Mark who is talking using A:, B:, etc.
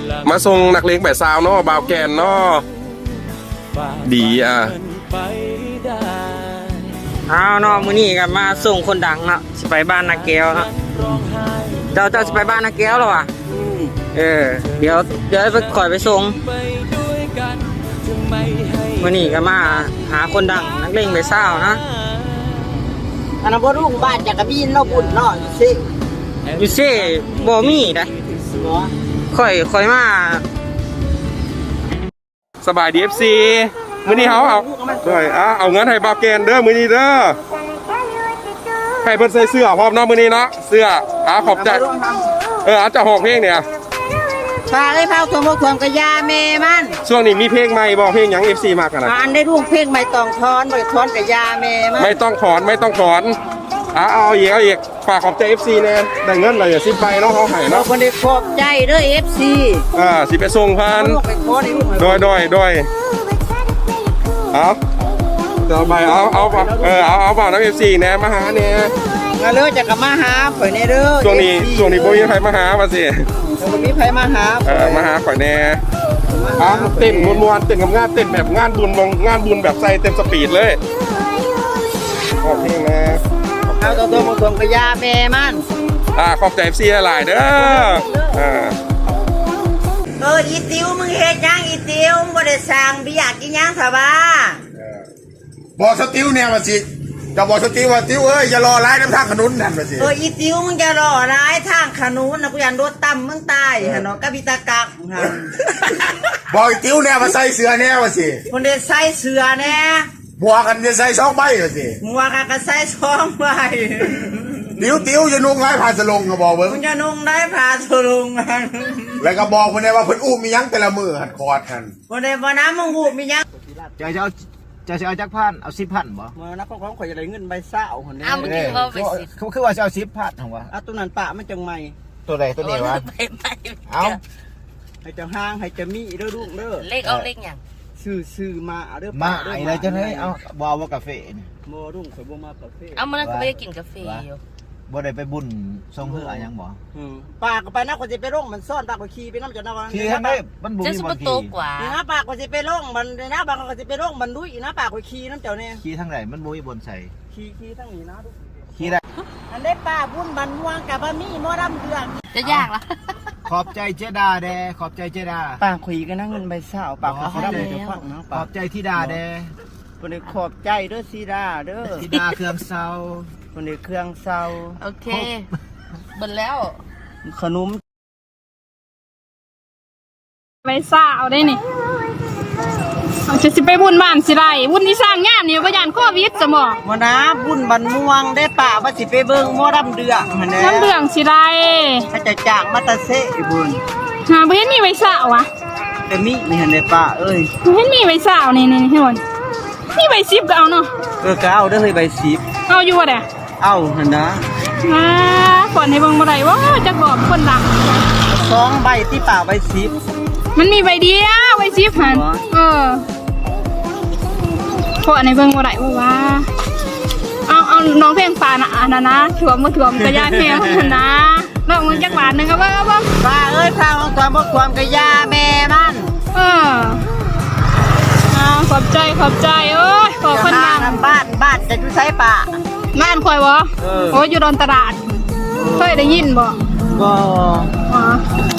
A: มาส่งนักเลงแบบซาวเนาะบ่าวแกนเนาะดีอ่ะ
B: เอาเนาะมื้อนี้ก็มาส่งคนดังเนาะสิไปบ้านนาแก้วเนาะเจ้าสิไปบ้านนาแก้วหรอวะเดี๋ยวไปคอยไปส่งมื้อนี้ก็มาหาคนดังนักเลงแบบซาวนะ
C: อันนั้นบ่รุ่งบ้านจักรบินเราบุญเนาะสิ
B: อยู่ซิบ่มีได้ค่อยมา
A: สบายดี FC มื้อนี้เอาด้วยเอาเงินให้บ่าวแกนเด้อมื้อนี้เด้อให้เพิ่นใส่เสื้อพร้อมเนาะมื้อนี้เนาะเสื้อขอบใจเอาจะห้องเพลงเนี่ย
C: พาให้เผาตัวมกความกะยาแม่มัน
A: ช่วงนี้มีเพลงใหม่บ่เพลงหยัง FC มากกันนะ
C: อันได้รุ่งเพลงไม่ต้องถอนบ่ถอนกะยาแม่มัน
A: ไม่ต้องถอนเอาอีกฝากขอบใจ FC แน่ได้เงินเลยสิไปเนาะเขาให้เนาะ
C: คนได้ขอบใจเด้อ FC
A: สิไปส่งพันโดยเอาต่อไปเอาเปล่าน้ำ FC แน่มาหาแน่
C: มาเลยจะกลับมาหาข่อยแน่เด้อ
A: ช่วงนี้บ่มีใครมาหามาสิ
C: บ่มีใครมาหา
A: มาหาข่อยแน่เต้นมวนๆเต้นกับงานเต้นแบบงานบุญแบบใส่เต็มสปีดเลยขอบเพลงนะ
C: เอาตัวมกความกะยาแม่มัน
A: ขอบใจ FC หลายเด้อ
C: อีติวมึงเฮ็ดยังอีติวมึงบ่ได้สร้างบิยากกินยังซะบ้า
D: บอกสติวเนี่ยมาสิจะบอกสติวว่าติวอย่ารอร้ายน้ำทางขนุนนั่นมาสิ
C: อีติวมึงจะรอร้ายทางขนุนนะกูยันโดดต่ำมึงตายฮะเนาะกะบิตากัก
D: บอกอีติวเนี่ยมาใส่เสื้อเนี่ยมาสิ
C: คนเดียใส่เสื้อแน่
D: หมวกกันจะใส่2 ใบมาสิ
C: หมวกกันก็ใส่2 ใบ
D: ติวจะนุ่งไร้ผ่าสลงก็บอกเบิ้ง
C: มึงจะนุ่งได้ผ่าสลง
D: แล้วก็บอกคนนี้ว่าเพิ่นอุ้มมียังแต่ละมือหัดคอดกัน
C: คนเดียบ่น้ำมึงหูมียัง
E: จะเอาจักพันเอา10,000บ่
C: มานับของข่อยจะได้เงินใบเศร้าคนนี้
E: เมื่อกี้ว่าไป10คือว่าจะเอา10,000ของวะ
C: ตัวนั้นปะมันจังใหม่
E: ตัวใดตัวนี้วะเอา
C: ให้เจ้าห้างให้เจ้ามีเด้อลูกเด้อ
F: เลขเอาเลขอย่าง
C: ซื้อมาเด้อ
E: มาไอ้เลยจังเลยเอาบ่เอากาแฟนี่
C: บ่รุ่งข่อยบ่มากาแฟ
F: เอามันก็ไม่ได้กินกาแฟอยู่
E: บ่ได้ไปบุญทรงเฮือยังบ่
C: ปากก็ไปนะคนจะไปร่องมันซ่อนปากก็ขี่ไปน้ำจนนะ
E: ขี่ทางได้มันบ่มีบ่ขี่
F: กว่า
C: นะปากก็จะไปร่องมันนะบางก็จะไปร่องมันดุยนะปากก็ขี่น้ำเจ้าเนี่ย
E: ขี่ทางไหนมันบ่มีบนใส่
C: ขี่ทางนี้นะทุก
E: ขี่ได้
C: อันได้ป้าบุญบันม่วงกับบะมี่หม้อดำเดือด
F: จะยากละ
E: ขอบใจเจดาแดขอบใจเจดา
C: ปากคุยกันนะเงินใบเศร้าปากเขาได้เลยฟังนะ
E: ขอบใจที่ดาแด
C: คนนี้ขอบใจเด้อซีดาเด้อ
E: ที่ดาเครื่องเซา
C: คนนี้เครื่องเซา
F: โอเคเบิดแล้ว
C: ขนม
G: ไปสาวได้นี่จะสิไปบุญบ้านสิไรบุญที่สร้างงานนี่พยานโควิดสมอง
C: มานะบุญบันม่วงได้ป่าว่าสิไปเบิ่งหม้อดำเดือด
G: น้ำเดือดสิไร
C: ถ้าจะจากมาตาเซ่บุญ
G: เห็นมีไว้สาวะ
C: แต่มีนี่เห็นได้ป่าเอ้ย
G: เห็นมีไว้สาวนี่เห็นนี่ใบซิบก็เอาเนาะ
C: ก็เอาได้เลยใบซิบ
G: เอาอยู่วะเด้
C: เอาเห็นนะ
G: ก่อนให้เบิ่งบ่ได้ว่าจะบอกคนดัง
C: 2 ใบที่ป่าใบซิบ
G: มันมีใบเดียวใบซิบหันก่อนให้เบิ่งบ่ได้ว่าเอาน้องเพลงป่านะอันนั้นนะถ่วมบ่ถ่วมกระยาแม่คนนะน้องมึงจักบาทนึงก็บ่
C: ป้าเอ้ยพาของความกระยาแม่มัน
G: ขอบใจโอ้ยขอคนดัง
C: บ้านจะอยู่ไสป่า
G: บ้านคอยบ่โอ้ยอยู่ดอนตลาดเคยได้ยินบ่
C: บ่